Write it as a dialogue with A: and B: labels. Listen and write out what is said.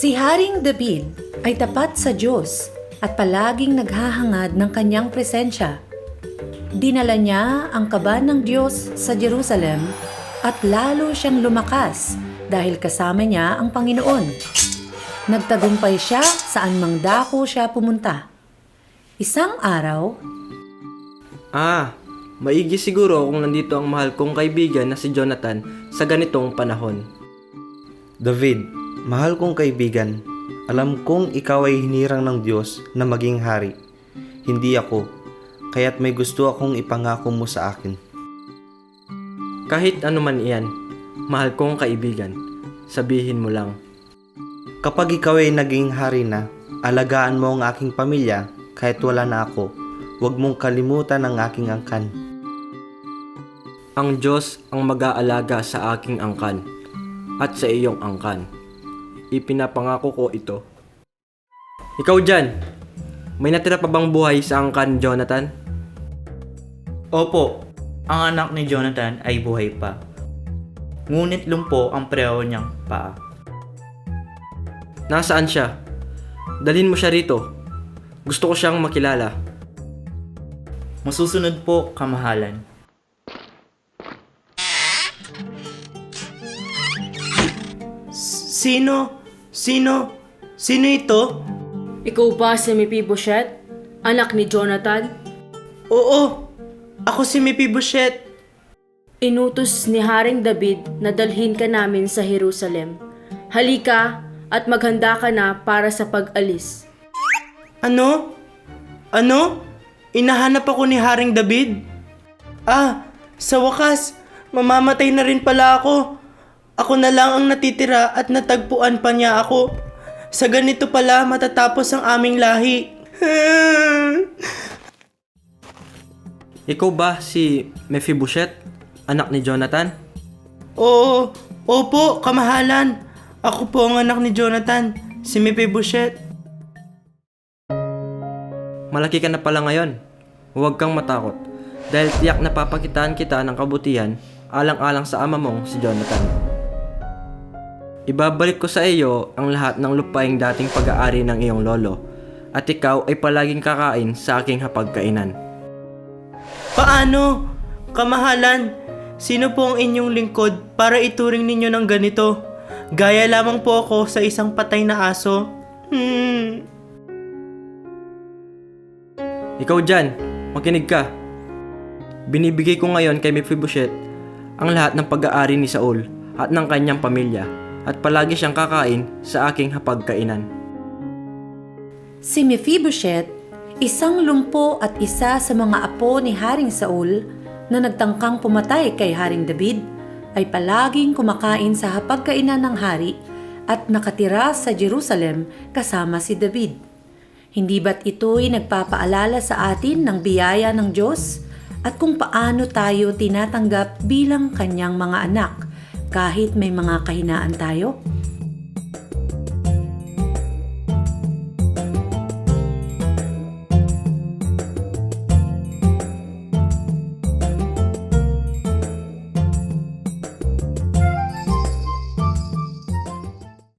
A: Si Haring David ay tapat sa Diyos at palaging naghahangad ng kanyang presensya. Dinala niya ang kaban ng Diyos sa Jerusalem at lalo siyang lumakas dahil kasama niya ang Panginoon. Nagtagumpay siya saan mang dako siya pumunta. Isang araw,
B: maigi siguro kung nandito ang mahal kong kaibigan na si Jonathan sa ganitong panahon.
C: David, mahal kong kaibigan, alam kong ikaw ay hinirang ng Diyos na maging hari. Hindi ako, kaya't may gusto akong ipangako mo sa akin.
B: Kahit anuman iyan, mahal kong kaibigan, sabihin mo lang.
C: Kapag ikaw ay naging hari na, alagaan mo ang aking pamilya kahit wala na ako. Huwag mong kalimutan ang aking angkan.
B: Ang Diyos ang mag-aalaga sa aking angkan at sa iyong angkan. Ipinapangako ko ito. Ikaw dyan, may natira pa bang buhay sa angkan, Jonathan?
D: Opo, ang anak ni Jonathan ay buhay pa. Ngunit lumpo ang pareho niyang paa.
B: Nasaan siya? Dalhin mo siya rito. Gusto ko siyang makilala.
D: Masusunod po, kamahalan. Sino ito?
E: Ikaw ba si Mephibosheth, anak ni Jonathan?
D: Oo, ako si Mephibosheth.
E: Inutos ni Haring David na dalhin ka namin sa Jerusalem. Halika at maghanda ka na para sa pag-alis.
D: Ano? Inahanap ako ni Haring David? Sa wakas, mamamatay na rin pala ako. Ako na lang ang natitira at natagpuan pa niya ako. Sa ganito pala matatapos ang aming lahi.
B: Ikaw ba si Mephibosheth, anak ni Jonathan?
D: Opo, kamahalan. Ako po ang anak ni Jonathan, si Mephibosheth.
B: Malaki ka na pala ngayon. Huwag kang matakot. Dahil tiyak na papakitaan kita ng kabutihan alang-alang sa ama mong si Jonathan. Ibabalik ko sa iyo ang lahat ng lupaing dating pag-aari ng iyong lolo at ikaw ay palaging kakain sa aking hapagkainan.
D: Paano? Kamahalan, sino po ang inyong lingkod para ituring ninyo ng ganito? Gaya lamang po ako sa isang patay na aso.
B: Ikaw dyan, makinig ka. Binibigay ko ngayon kay Mephibosheth ang lahat ng pag-aari ni Saul at ng kanyang pamilya at palagi siyang kakain sa aking hapagkainan.
A: si Mephibosheth, isang lumpo at isa sa mga apo ni Haring Saul na nagtangkang pumatay kay Haring David, ay palaging kumakain sa hapagkainan ng hari at nakatira sa Jerusalem kasama si David. Hindi ba't ito'y nagpapaalala sa atin ng biyaya ng Diyos at kung paano tayo tinatanggap bilang kanyang mga anak kahit may mga kahinaan tayo?